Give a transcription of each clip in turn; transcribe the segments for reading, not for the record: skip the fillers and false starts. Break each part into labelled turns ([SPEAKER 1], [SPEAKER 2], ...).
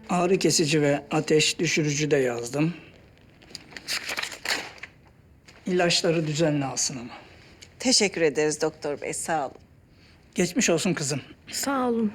[SPEAKER 1] Ağrı kesici ve ateş düşürücü de yazdım. İlaçları düzenli alsın ama.
[SPEAKER 2] Teşekkür ederiz doktor bey, sağ olun.
[SPEAKER 1] Geçmiş olsun kızım.
[SPEAKER 3] Sağ olun.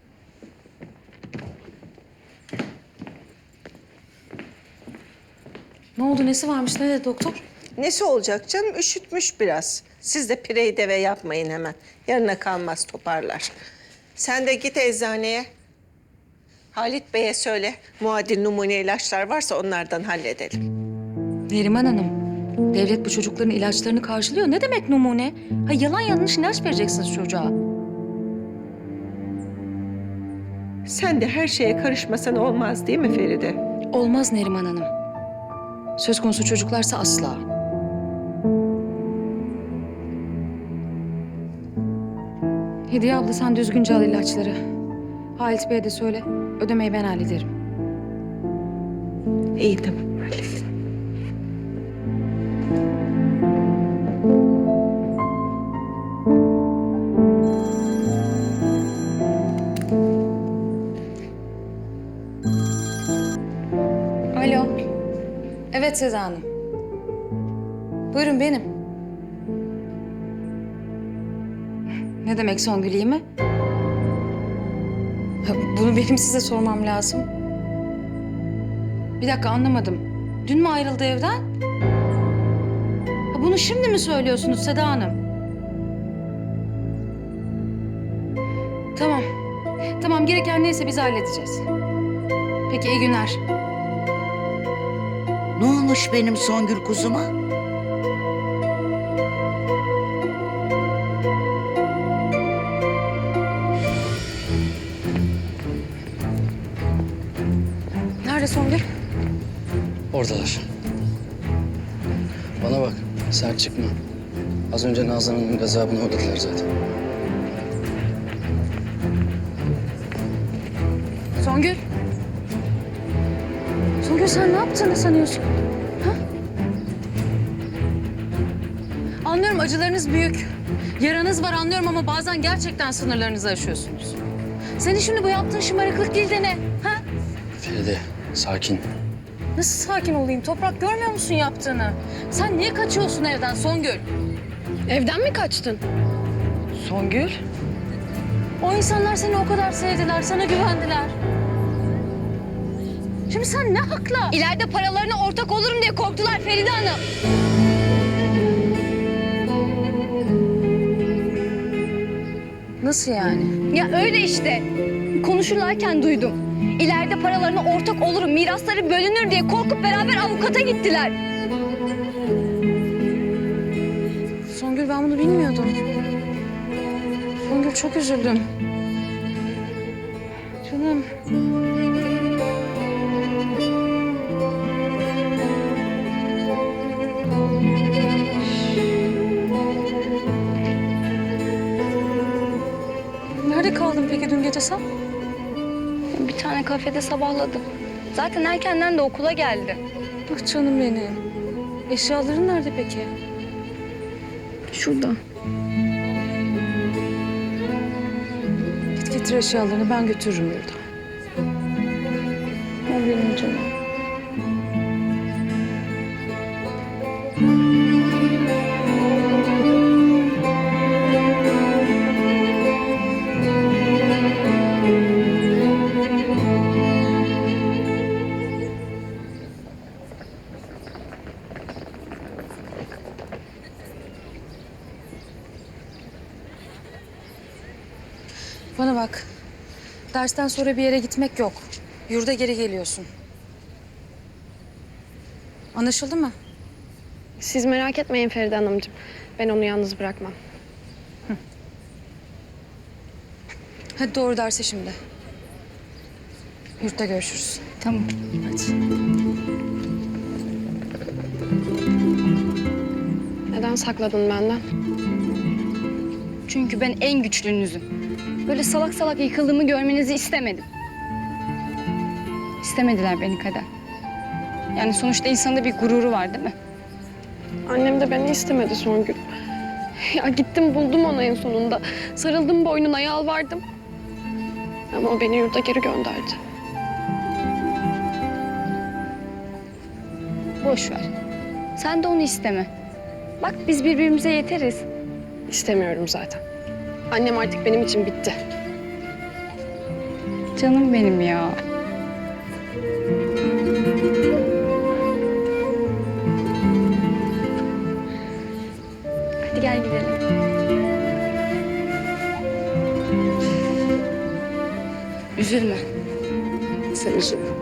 [SPEAKER 4] Ne oldu, nesi varmış, ne dedi doktor?
[SPEAKER 2] Nesi olacak canım? Üşütmüş biraz. Siz de pireyi deve yapmayın hemen. Yarına kalmaz, toparlar. Sen de git eczaneye. Halit Bey'e söyle. Muadil numune ilaçlar varsa onlardan halledelim.
[SPEAKER 4] Neriman Hanım, devlet bu çocukların ilaçlarını karşılıyor. Ne demek numune? Ha, yalan yanlış ilaç vereceksiniz çocuğa.
[SPEAKER 2] Sen de her şeye karışmasan olmaz değil mi Feride?
[SPEAKER 4] Olmaz Neriman Hanım. Söz konusu çocuklarsa asla. Hediye abla sen düzgünce al ilaçları. Halit Bey'e de söyle, ödemeyi ben hallederim.
[SPEAKER 2] İyi tamam. Hallet.
[SPEAKER 4] Alo. Evet Seda Hanım. Buyurun benim. Ne demek Songül iyi mi? Ha, bunu benim size sormam lazım. Bir dakika anlamadım. Dün mü ayrıldı evden? Ha, bunu şimdi mi söylüyorsunuz Seda Hanım? Tamam. Tamam gereken neyse biz halledeceğiz. Peki iyi günler.
[SPEAKER 5] Ne olmuş benim Songül kuzuma?
[SPEAKER 4] Nerede Songül?
[SPEAKER 6] Oradalar. Bana bak, sert çıkma. Az önce Nazan Hanım'ın gazabını uğradılar zaten.
[SPEAKER 4] Songül. Songül sen ne yaptığını sanıyorsun? Ha? Anlıyorum acılarınız büyük. Yaranız var anlıyorum ama bazen gerçekten sınırlarınızı aşıyorsunuz. Senin şimdi bu yaptığın şımarıklık değil de ne? Ha?
[SPEAKER 6] Feride, sakin.
[SPEAKER 4] Nasıl sakin olayım? Toprak görmüyor musun yaptığını? Sen niye kaçıyorsun evden Songül?
[SPEAKER 3] Evden mi kaçtın?
[SPEAKER 4] Songül? O insanlar seni o kadar sevdiler, sana güvendiler. Şimdi sen ne hakla?
[SPEAKER 3] İleride paralarına ortak olurum diye korktular Feride Hanım.
[SPEAKER 4] Nasıl yani?
[SPEAKER 3] Ya öyle işte. Konuşurlarken duydum. İleride paralarına ortak olurum, mirasları bölünür diye korkup beraber avukata gittiler.
[SPEAKER 4] Songül ben bunu bilmiyordum. Songül çok üzüldüm. Canım. Nerede kaldın peki dün gece sen?
[SPEAKER 3] Bir tane kafede sabahladım. Zaten erkenden de okula geldi.
[SPEAKER 4] Bak canım benim. Eşyaların nerede peki?
[SPEAKER 3] Şurada.
[SPEAKER 4] Git getir eşyalarını ben götürürüm yurda.
[SPEAKER 3] O benim canım.
[SPEAKER 4] Bana bak. Dersten sonra bir yere gitmek yok. Yurda geri geliyorsun. Anlaşıldı mı?
[SPEAKER 7] Siz merak etmeyin Feride Hanımcığım. Ben onu yalnız bırakmam.
[SPEAKER 4] Hadi doğru derse şimdi. Yurtta görüşürüz.
[SPEAKER 3] Tamam.
[SPEAKER 4] Hadi.
[SPEAKER 7] Neden sakladın benden?
[SPEAKER 3] Çünkü ben en güçlünüzüm. Böyle salak salak yıkıldığımı görmenizi istemedim. İstemediler beni kader. Yani sonuçta insanda bir gururu var değil mi?
[SPEAKER 7] Annem de beni istemedi Songül. Ya gittim buldum onu en sonunda. Sarıldım boynuna yalvardım. Ama o beni yurda geri gönderdi.
[SPEAKER 3] Boş ver. Sen de onu isteme. Bak biz birbirimize yeteriz.
[SPEAKER 7] İstemiyorum zaten. Annem artık benim için bitti.
[SPEAKER 3] Canım benim ya. Hadi gel gidelim. Üzülme.
[SPEAKER 7] Sen üzülme.